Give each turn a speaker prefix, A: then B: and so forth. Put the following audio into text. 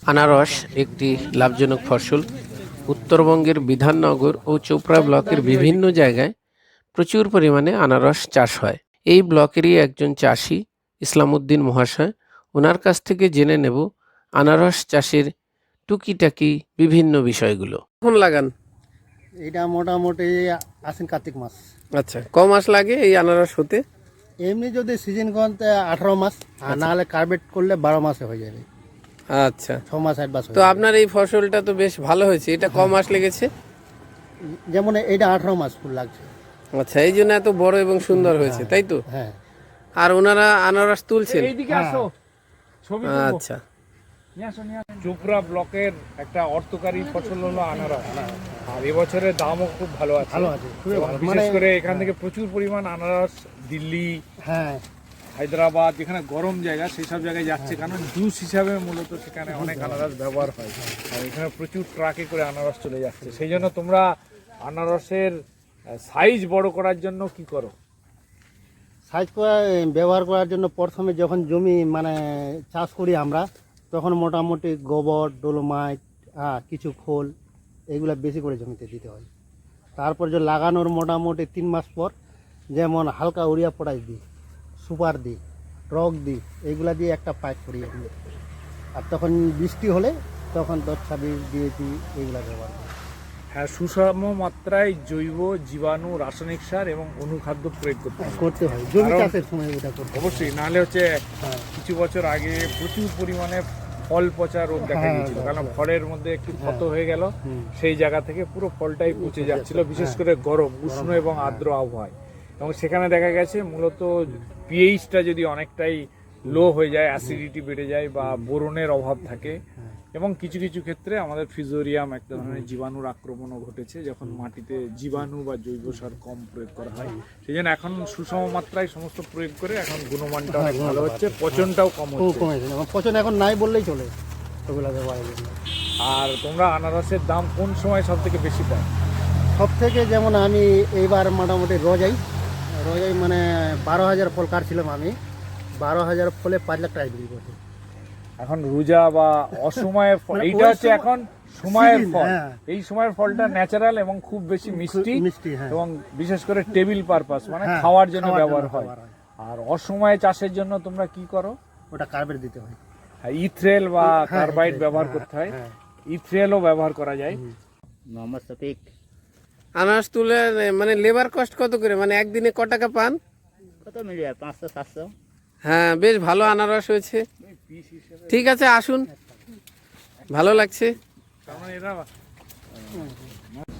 A: আনারস একটি লাভজনক ফসল। উত্তরবঙ্গের বিধাননগর ও চোপড়া ব্লকের বিভিন্ন জায়গায় প্রচুর পরিমাণে আনারস চাষ হয়। এই ব্লকেরই একজন চাষি ইসলামউদ্দিন মহাশয়, ওনার কাছ থেকে জেনে নেব আনারস চাষের টুকিটাকি বিভিন্ন বিষয়গুলো। কখন লাগান?
B: এটা মোটামুটি আশ্বিন কার্তিক মাস।
A: আচ্ছা, ক মাস লাগে এই আনারস হতে?
B: এমনি যদি সিজন করতে 18 মাস, আর নাহলে কার্বেট করলে 12 মাসে হয়ে যাবে।
A: আচ্ছা,
B: 6 মাস 8 মাস
A: তো আপনার এই ফসলটা তো বেশ ভালো হয়েছে। এটা ক মাস লেগেছে?
B: যেমন এটা 18 মাস ফুল লাগছে।
A: আচ্ছা, এই জন্য এত বড় এবং সুন্দর হয়েছে, তাই তো?
B: হ্যাঁ।
A: আর ওনারা আনারস তুলছেন?
C: এইদিকে আসো, ছবি
A: আচ্ছা,
C: চোপড়া ব্লকের একটা অর্থকারী ফসল হলো আনারস। আর এবছরের দামও খুব ভালো আছে।
B: ভালো আছে, খুবই
C: এবং
B: ভালো।
C: বিশেষ করে এখান থেকে প্রচুর পরিমাণ আনারস দিল্লি,
B: হ্যাঁ,
C: হায়দ্রাবাদ, যেখানে গরম জায়গা সেই সব জায়গায় যাচ্ছে, কারণ জুস হিসাবে মূলত সেখানে অনেক আনারস ব্যবহার হয়। আর এখানে প্রচুর ট্রাকে করে আনারস চলে যাচ্ছে। সেই জন্য তোমরা আনারসের সাইজ বড় করার জন্য কি করো?
B: সাইজ করা ব্যবহার করার জন্য প্রথমে যখন জমি মানে চাষ করি আমরা, তখন মোটামুটি গোবর, ডোলোমাইট, কিছু খোল এগুলো বেশি করে জমিতে দিতে হয়। তারপর যে লাগানোর মোটামুটি 3 মাস পর যেমন হালকা ইউরিয়া পটাশ দিই, সুপার দিই, রক দিই, এইগুলা দিয়ে একটা পাইপ করি আমি। আর তখন বৃষ্টি হলে তখন 10-26 দিয়েছি, এইগুলা ব্যবহার করি।
C: হ্যাঁ, সুষম মাত্রায় জৈব, জীবাণু, রাসায়নিক সার এবং অনুখাদ্য প্রয়োগ করতে হয়।
B: জমি
C: কারণ-
B: চাষের সময় এটা করতে হয়।
C: অবশ্যই, নাহলে হচ্ছে
B: হ্যাঁ।
C: কিছু বছর আগে প্রচুর পরিমাণে ফল পচা রোগ দেখা
B: হ্যাঁ,
C: গিয়েছিল, কারণ ফলের মধ্যে একটু ক্ষত হয়ে গেল,
B: হুম।
C: সেই জায়গা থেকে পুরো ফলটাই পচে যাচ্ছিল, বিশেষ করে গরম, উষ্ণ এবং আর্দ্র আবহাওয়ায়। এবং সেখানে দেখা গেছে মূলত পিএইচটা যদি অনেকটাই লো হয়ে যায়, অ্যাসিডিটি বেড়ে যায় বা বোরনের অভাব থাকে, এবং কিছু কিছু ক্ষেত্রে আমাদের ফিজোরিয়াম এক ধরনের জীবাণুর আক্রমণও ঘটেছে যখন মাটিতে জীবাণু বা জৈব সার কম প্রয়োগ করা হয়। সেই জন্য এখন সুষম মাত্রায় সমস্ত প্রয়োগ করে এখন গুণমানটা অনেক ভালো হচ্ছে, পচনটাও কম
B: খুব
C: হচ্ছে।
B: কমেছে, এবং পচন এখন নাই বললেই চলে ওগুলা ব্যবহারের জন্য।
C: আর তোমরা আনারসের দাম কোন সময় সব থেকে বেশি পাও?
B: সব থেকে যেমন আমি এইবার মোটামুটি রোজাই মানে 12,000 ফল কাটছিলাম আমি, 12,000 ফলে 5 লাখ টাকা বিক্রি করছি।
C: এখন রোজা বা অসময়ের ফল,
B: মানে
C: এইটা
B: ওই
C: হচ্ছে
B: সময়-
C: এখন সময়ের
B: season,
C: ফল।
B: হ্যাঁ।
C: এই সময়ের ফলটা ন্যাচারাল এবং খুব বেশি মিষ্টি,
B: মিষ্টি, হ্যাঁ।
C: এবং বিশেষ করে টেবিল পারপাস মানে
B: হ্যাঁ,
C: খাওয়ার জন্য
B: খাওয়ার
C: ব্যবহার
B: জন্য
C: হয়।
B: ব্যবহার হয়।
C: আর অসময়ে চাষের জন্য তোমরা কি করো?
B: ওটা কার্বেট দিতে হয়।
C: ইথ্রেল বা
B: হ্যাঁ,
C: কার্বাইড
B: ইথ্রেল,
C: ব্যবহার
B: হ্যাঁ,
C: করতে হয়।
B: হ্যাঁ।
C: ইথ্রেলও ব্যবহার করা যায়।
B: মোহাম্মদ শফিক।
A: আনারস তুলে মানে লেবার কস্ট কত করে, মানে একদিনে ক টাকা পান?
B: কত মিলে 500-700।
A: হ্যাঁ, বেশ ভালো আনারস হয়েছে। ঠিক আছে, আসুন, ভালো লাগছে।
C: তার মানে এরা